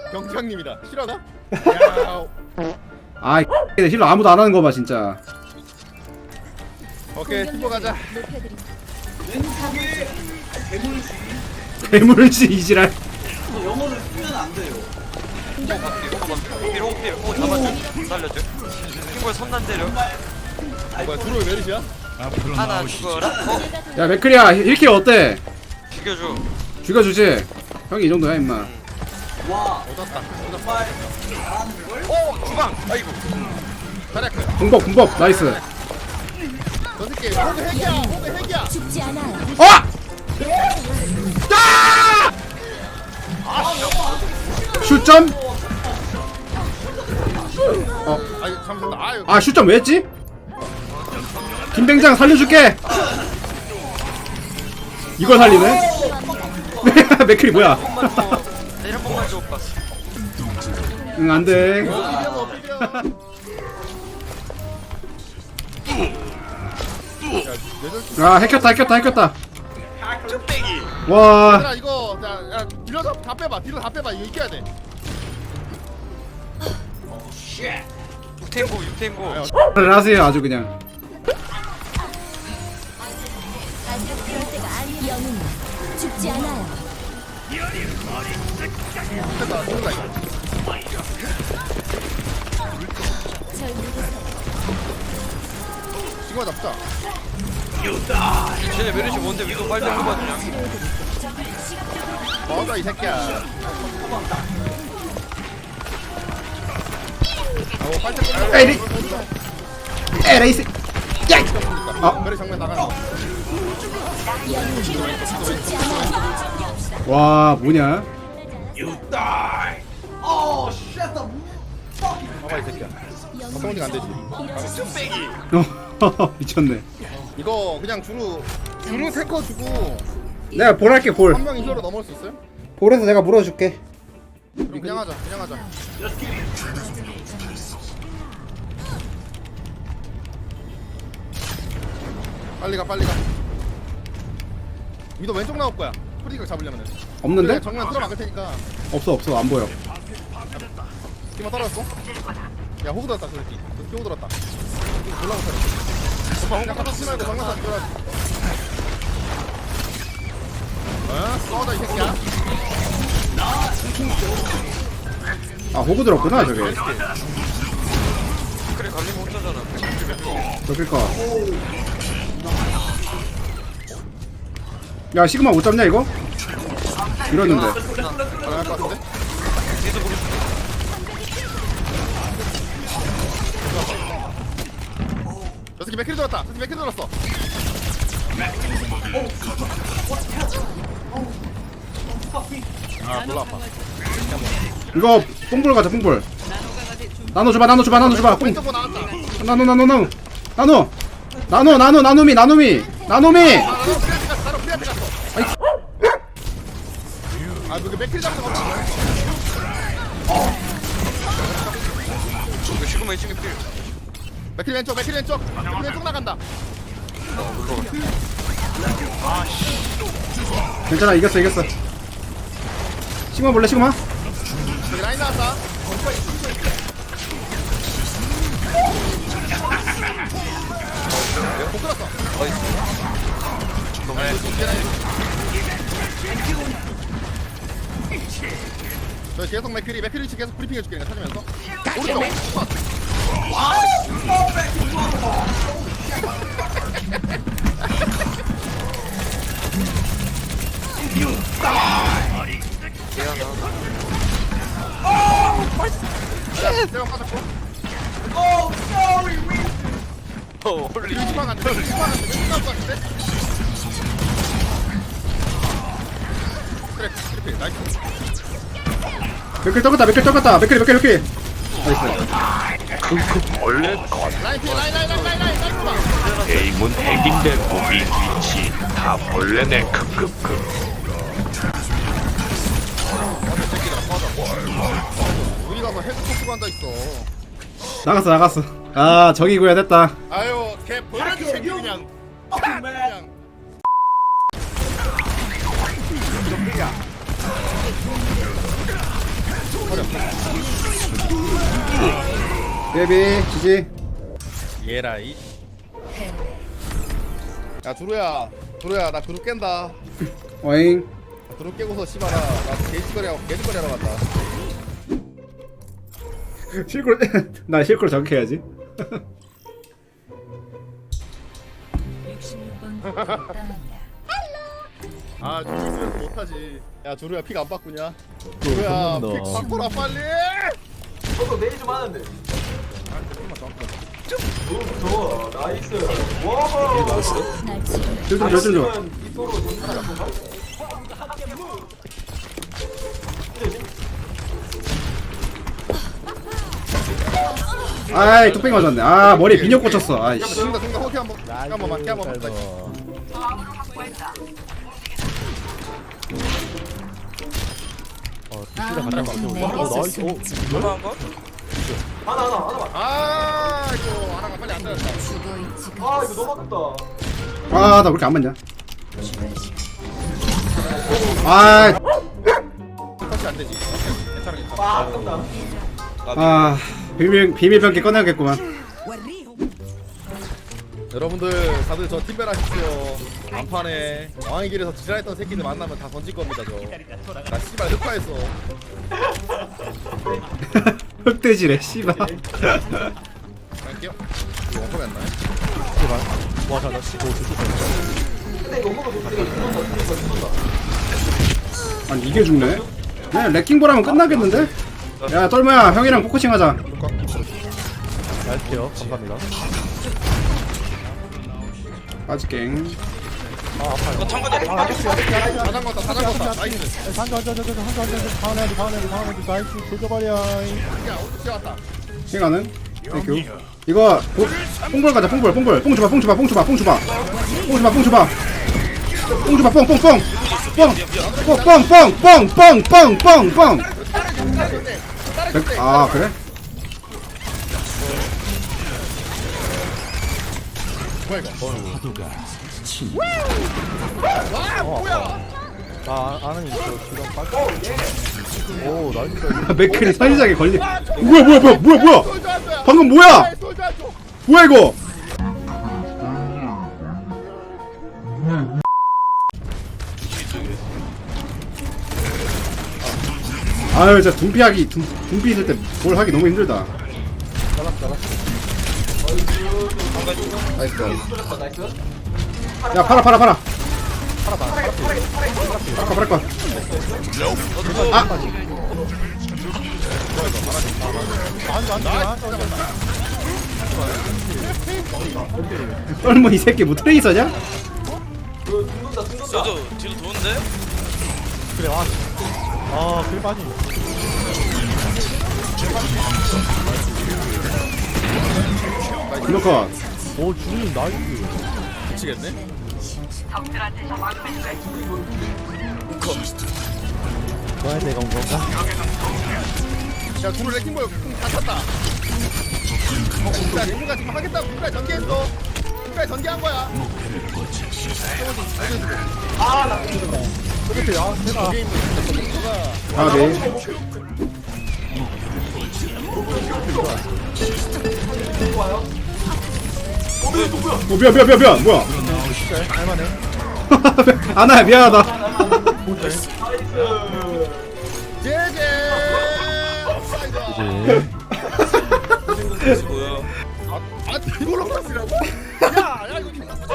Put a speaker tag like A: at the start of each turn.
A: 경장님이다. 실화다? 야.
B: 아 힐러 아무도 안 하는 거 봐 진짜.
A: 오케이 팀버 가자.
B: 괴물지 이지랄.
C: 영어를 쓰면 안 돼요.
D: 오 잡아줘. 살려줘. 킹볼 선난 때려.
A: 뭐야 주로 메르시야?
D: 하나 죽어라.
B: 야 맥크리야 힐킬 어때?
D: 죽여줘.
B: 죽여주지. 형이 이 정도야 임마.
C: 와,
A: 얻었다.
C: 정말 잘하는 걸?
D: 오 주방. 아이고.
A: 자리야.
B: 군법 나이스.
A: 저 새끼 호그 핵이야. 호그 핵이야.
E: 죽지 않아요.
B: 슛점?
A: 아니 잠시만. 아유.
B: 아 슛점 왜 했지? 김뱅장 살려줄게. 이걸 살리네? 맥크리 뭐야?
D: 내일 한 번만 줘 오빠.
B: 응 안돼. 아 해켰다. 와
A: 얘들아 이거 야 딜러 다 빼봐. 딜러 다 빼봐. 이거 이겨야 돼.
D: 육탱고.
B: 를 하세요 아주 그냥.
E: 아직 그럴 때가 아니에요. 영웅 죽지 않아요.
A: 됐다. 죽는다 이거.
E: 절 믿으세요.
A: 지금 잡자.
D: 쟤네 메르시 뭔데 위도 빨리 뽑아주냐?
A: 먹어 이 새끼야.
B: 에이 에레이스.
A: 그래 정면 나가는 거.
E: 영웅 죽지 않아요.
B: 와 뭐냐?
C: Oh, shut the fuck.
A: 봐봐 이 새끼야. 성공이 안 되지.
B: 미쳤네.
A: 이거 그냥 주루 탱커 주고
B: 내가 볼 할게 볼.
A: 한 명이 힐러로 넘어올 수 있어요?
B: 볼에서 내가 물어줄게.
A: 그냥 하자. 빨리 가. 위도 왼쪽 나올 거야. 프리가 잡으려면.
B: 없는데?
A: 그냥 정면 들어막을 테니까.
B: 없어 안 보여.
A: 팀만 떨어졌어? 야 호구 들었다 저 새끼. 저 새끼 호구 들었다. 올라오세요. 오빠 호구 갖다 치지 말고 정면 쏴 들어야지. 싸우다 이 새끼야.
B: 아 호구 들었구나 저게.
D: 그래 갈리면 혼자잖아.
B: 저길까. 야 시그마 못 잡냐 이거? 이러는데.
A: 가능할 것 같은데?
D: 뒤에서 보고 싶어.
A: 저 새끼 맥힐 들었다. 저 새끼 맥힐 들었어. 아 몰라 아파.
B: 이거 뽕볼 가자 뽕볼. 나노 줘봐. 뽕.
A: 왼쪽 거 나왔다.
B: 나노미.
A: 바로 프리한테 갔어. 아 이거 맥힐 잡는 거 없지?
D: 이거 시그마 2층에 필.
A: 맥힐 왼쪽 나간다.
B: 괜찮아 이겼어. 시그마 볼래 시그마?
A: 여기 라인 나왔다. 못 끌었어. 저 계속 맥크리 위치 계속 브리핑 해줄게 내가 찾으면서. 오른쪽. 내가 빠졌고.
C: Oh, sorry.
D: 홀리.
A: 위치만 안 돼. 위치만 안 돼. 왼쪽 나올 것 같은데? 그래, 그래, 나이스.
B: 맥클 떠갔다. 맥클. 나이스.
F: 원래
A: 라인 피, 라인 봐.
F: 게임은 핵인데 무기 위치 다 벌레네. 크크크.
A: 우리 가서 헤드폰 쓰고 앉아있어.
B: 나갔어. 아 저기구야 됐다.
A: 아유, 걔 버려지 새끼 그냥.
C: Fucking man.
A: 그냥.
B: 베비 지지.
A: 얘라이. 야 두루야 나 그룹 깬다.
B: 어잉.
A: 그룹 깨고서 씨발아 나 개짓거리 하러 간다.
B: 실컷 나 실컷 저격해야지.
E: 66번 땅입니다.
A: 아 두루야 못하지. 야 두루야 픽 안 바꾸냐? 두루야 픽 바꿔라 빨리.
C: 저도 내일 좀 하는데.
A: 아 조금만 더 바꿔.
C: 너무 좋아. 나이스. 와.
E: 날 치료해.
B: 좀 줘.
C: 이토로 정신을 건가?
B: 아이 뚝배기 맞았네. 아 머리에 비녀 꽂혔어. 아이씨.
A: 동가 호키 한번 한 번만 한 번만.
D: 얼마한 거?
C: 하나.
A: 아 이거 하나가 빨리 안 되었다.
E: 죽어 있지.
C: 아 이거 너무 아깝다.
B: 아 나 왜 이렇게 안 맞냐? 아,
A: 터치 안 되지. 괜찮아.
C: 아 아깝다.
B: 아 비밀병기 꺼내야겠구만.
A: 여러분들 다들 저 팀벨 하십시오. 안판에 왕의 길에서 지랄했던 새끼들 만나면 다 던질 겁니다 저. 나 씨발 흑화했어.
B: 흑돼지래 씨발.
A: 갈게요. 이거 원컵이 안 나요?
C: 근데 이거 먹어도 되게 죽는다.
B: 아니 이게 죽네? 그냥 레킹볼 하면 끝나겠는데? 야 똘모야 형이랑 포커싱 하자.
G: 갈게요. 감사합니다.
B: 빠질게.
D: 이거 참가자
A: 다 잠궜다. 나이스.
G: 한조 나이스 돌려버려.
A: 야 어떻게 왔다.
B: 시간은? 땡큐. 이거 뽕볼 가자. 뽕볼. 뽕 줘봐. 뽕. 아 그래?
G: 아 아는 있어. 지금 빨리. 오 나이스.
B: 맥클이 선시장에 걸리. 뭐야? 방금 뭐야? 뭐야 이거? 아유 진짜 둠피 있을 때 뭘 하기 너무 힘들다. 나이스.
C: 나이스.
B: 야 팔아. 팔아 거. 똘모 이 새끼 뭐 트레이서냐?
C: 죽는다.
D: 저도 뒤로 도는데?
G: 그래 와. 아 그래 빠지.
B: 블로컷.
G: 오 주님 나이스.
A: 미치겠네.
G: 너한테 내가 온 건가?
A: 야 둘을 레킹볼 다 찼다. 야 레킹가 지금 하겠다고 누가 전개했어. 누가 전개한 거야.
G: 그렇게 야 내가
A: 게임 누가
B: 아 네. 미안. 뭐야?
G: 할만해.
B: 아나야 미안하다.
A: 제제.
D: 뭐야?
A: 아 이걸로 갔으라고? 야 이거